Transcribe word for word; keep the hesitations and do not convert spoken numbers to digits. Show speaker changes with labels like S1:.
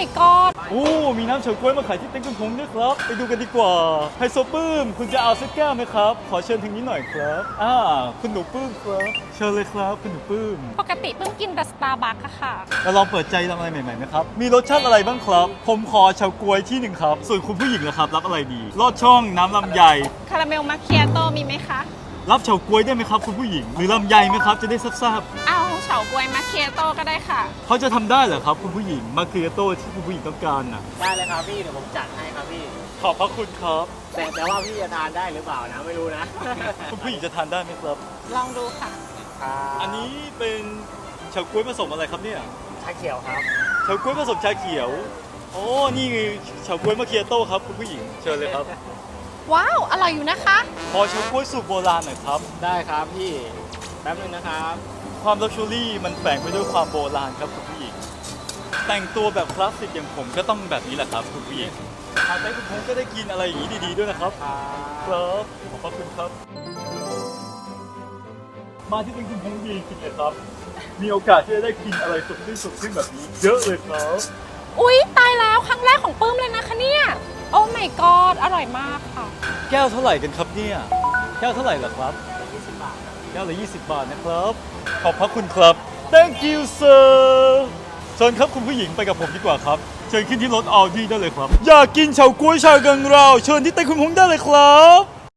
S1: my god
S2: โอ้มีน้ำเฉาก๊วยมาขายที่เต็นท์คุณพงษ์ด้วยครับไปดูกันดีกว่าไฮโซปื้มคุณจะเอาสักแก้วไหมครับขอเชิญทางนี้หน่อยครับอ่าคุณหนูปื้มครับเชิญเลยครับคุณหนูปื้ม
S1: ปกติเพิ่งกินแต่สตาร์บัคอะค่ะ
S2: เราลองเปิดใจลองอะไรใหม่ๆไหมครับมีรสชาติอะไรบ้างครับผมขอเฉาก๊วยที่หนึ่งครับส่วนคุณผู้หญิงนะครับรับอะไรดีลอดช่องน้ำลำไย
S1: คาราเมลมาเคียโตมีไหมคะ
S2: รับเฉาก๊วยได้ไหมครับคุณผู้หญิงหรือลำไยไหมครับจะได้ทราบ
S1: เอาเฉาก๊วยมาเคียโตก็ได้ค่ะ
S2: ๆเขาจะทำได้เหรอครับคุณผู้หญิงมาเคียโต้ที่คุณผู้หญิงต้องการน่ะ
S3: ได้เลยครับพี่เดี๋ยวผมจัดให้ครับพี่
S2: ขอบพระคุณครับ
S3: แต่แต่ว่าพี่จะทานได้หรือเปล่านะไม่รู้นะ
S2: คุณผู้หญิงจะทานได้ไหมครับ
S1: ลองดูค่ะ
S2: อันนี้เป็นเฉาก๊วยผสมอะไรครับเนี่ย
S3: ชาเขียวครับ
S2: เฉาก๊วยผสมชาเขียวโอ้นี่คือเฉาก๊วยมาเคียโต้ครับคุณผู้หญิงเชิญเลยครับ
S1: ว้าว อร่อยอยู่นะคะ
S2: ขอเฉาก๊วยสูตรโบราณหน่อยครับ
S3: ได้ครับพี่แป๊บนึงนะครับ
S2: ความลักชัวรี่มันแฝงไปด้วยความโบราณครับคุณผู้หญิงแต่งตัวแบบคลาสสิกอย่างผมก็ต้องแบบนี้แหละครับคุณผู้หญิงทานไปคุณพงษ์ก็ได้กินอะไรอย่างนี้ดีๆด้วยนะครับครับขอบพระคุณครับ มาที่เป็นคุณพงษ์ดีจริงเลยครับ มีโอกาสที่จะได้กินอะไรสดชื่นสดชื่นแบบนี้ เยอะเลยครับ
S1: อุ๊ย ตายแล้วครั้งแรกของปื้มเลยนะคะเนี่ย โอ้ my god อร่อยมากค่ะ
S2: แก้วเท่าไหร่กันครับเนี่ยแก้วเท่าไหร่เหรอครับแก้วละยี่สิบบาทนะครับ ขอบพระคุณครับ thank you sir เชิญครับคุณผู้หญิงไปกับผมดีกว่าครับ เชิญขึ้นที่รถออดี้ได้เลยครับ อยากกินเฉาก๊วยชากังราวเชิญที่เต็นท์คุณพงษ์ได้เลยครับ